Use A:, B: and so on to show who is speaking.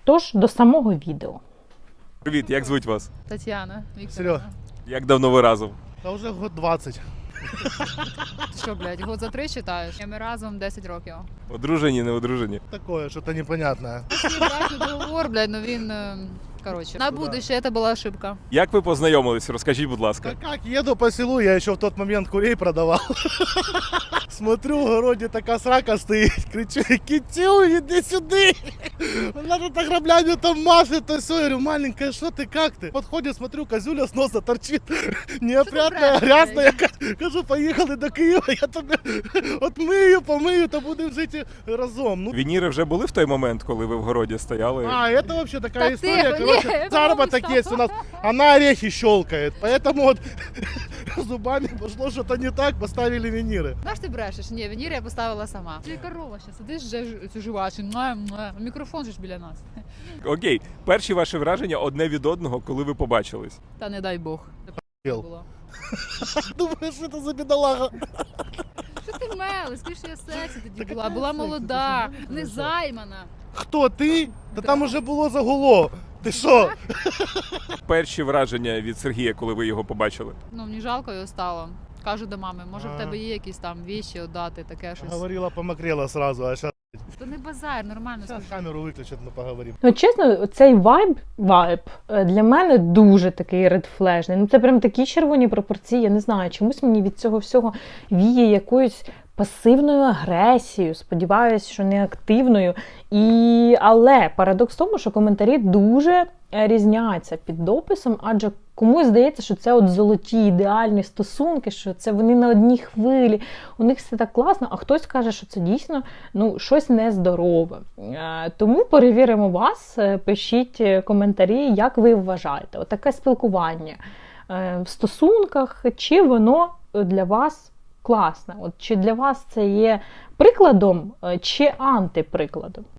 A: Тож, до самого відео.
B: Привіт, як звуть вас?
C: Тетяна Вікторівна.
D: Серьо,
B: Як давно ви разом?
D: та вже год 20.
C: Ти що, блядь, год за 3 читаєш? Ми разом 10 років.
B: Одружені, не одружені?
D: Такое, что-то непонятное.
C: Свій брачний договор, блядь, ну він, короче, на будущее это была ошибка.
B: Як ви познайомились? Розкажіть, будь ласка.
D: Да как, еду по селу, я еще в тот момент курей продавал. Смотрю, в огороде такая срака стоит, кричу: Китю, иди сюда! Она тут ограблями там машет, то все. Я говорю: маленькая, что ты, как ты? Подходит, смотрю, козюля с носа торчит, неопрятная, грязная. Кажу: поехали до Києва, я тебе отмию, помию, та будемо жити разом. Ну,
B: Вініри вже були в той момент, коли ви в городі стояли?
D: а, это вообще такая
C: Да
D: история,
C: ты,
D: короче,
C: не,
D: заработок
C: потому
D: есть у нас, она орехи щелкает, поэтому вот зубами пошло что-то не так, поставили виниры.
C: Знаєш, ти брешеш? Ні, венір я поставила сама. Ти корова ще сидиш, вже цю жувачу, мікрофон же ж біля нас.
B: Окей, перші ваші враження одне від одного, коли ви побачились?
C: Та не дай Бог.
D: Ел.
C: Було.
D: Думаешь, что это за бедолага?
C: Що ти мели? Скажи, що я сексі тоді була молода, не займана.
D: Кто ты? Да там уже было загуло. Ты что?
B: Перші враження від Сергія, коли ви його побачили?
C: Ну, мені жалко його стало. Кажу до мами, може в
D: А.
C: тебе є якісь там віші віддати, таке щось.
D: Говорила, помокрела сразу, а сейчас
C: То не базар, нормально скажи.
D: камеру выключат, мы поговорим.
A: Ну, чесно, цей вайб для мене дуже такий редфлежний. Ну, це прям такі червоні пропорції, я не знаю, чомусь мені від цього всього віє якоюсь пасивною агресією, сподіваюся, що не активною. Але парадокс в тому, що коментарі дуже різняться під дописом, адже комусь здається, що це от золоті ідеальні стосунки, що це вони на одній хвилі, у них все так класно, а хтось каже, що це дійсно щось нездорове. Тому перевіримо вас, пишіть коментарі, як ви вважаєте. Отаке спілкування в стосунках, чи воно для вас класне? От чи для вас це є прикладом, чи антиприкладом?